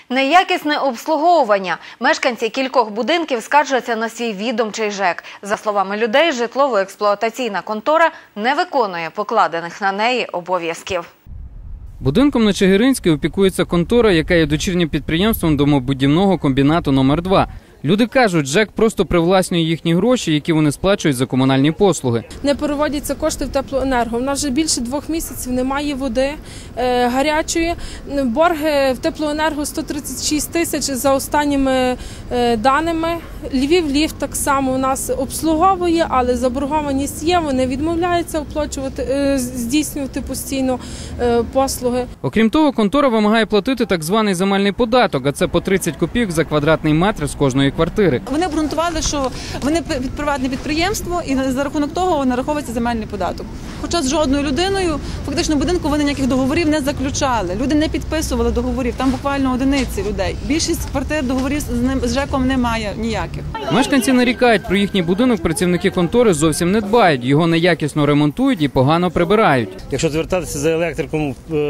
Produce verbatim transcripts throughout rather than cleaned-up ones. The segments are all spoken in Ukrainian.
Неякісне обслуговування. Мешканці кількох будинків скаржаться на свій відомчий ЖЕК. За словами людей, житлово-експлуатаційна контора не виконує покладених на неї обов'язків. Будинком на Чигиринській опікується контора, яка є дочірнім підприємством домобудівного комбінату номер два. Люди кажуть, ЖЕК просто привласнює їхні гроші, які вони сплачують за комунальні послуги. Не переводяться кошти в теплоенерго. У нас вже більше двох місяців немає води е, гарячої. Борги в теплоенерго сто тридцять шість тисяч за останніми е, даними. Львів-Ліфт так само у нас обслуговує, але заборгованість є. Вони відмовляються оплачувати, е, здійснювати постійно е, послуги. Окрім того, контора вимагає платити так званий земельний податок, а це по тридцять копійок за квадратний метр з кожної квартири. Вони обґрунтували, що вони приватне підприємство і за рахунок того нараховується земельний податок. Хоча з жодною людиною, фактично в будинку вони ніяких договорів не заключали. Люди не підписували договорів, там буквально одиниці людей. Більшість квартир договорів з ним з ЖЕКом немає ніяких. Мешканці нарікають, про їхній будинок працівники контори зовсім не дбають, його неякісно ремонтують і погано прибирають. Якщо звертатися за електриком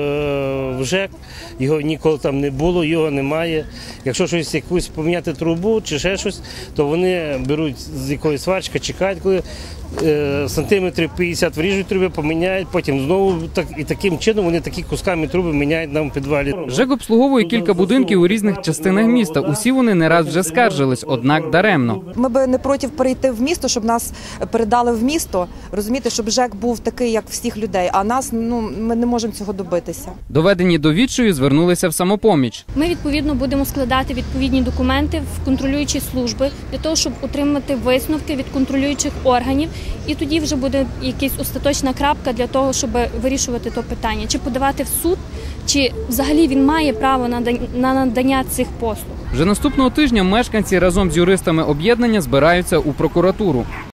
в ЖЕК, його ніколи там не було, його немає. Якщо щось якусь поміняти трубу чи ще щось, то вони беруть з якоїсь сварчки, чекають, коли е, сантиметрів п'ятдесят вріжуть труби, поміняють, потім знову так, і таким чином вони такі кусками труби міняють нам в підвалі. ЖЕК обслуговує кілька будинків у різних частинах міста. Усі вони не раз вже скаржились, однак даремно. Ми би не проти перейти в місто, щоб нас передали в місто, розумієте, щоб ЖЕК був такий, як всіх людей, а нас, ну, ми не можемо цього добитися. Доведені до відчаю, звернулися в «Самопоміч». Ми, відповідно, будемо складати відповідні документи в контролюючі служби для того, щоб отримати висновки від контролюючих органів. І тоді вже буде якась остаточна крапка для того, щоб вирішувати то питання. Чи подавати в суд, чи взагалі він має право на надання цих послуг. Вже наступного тижня мешканці разом з юристами об'єднання збираються у прокуратуру.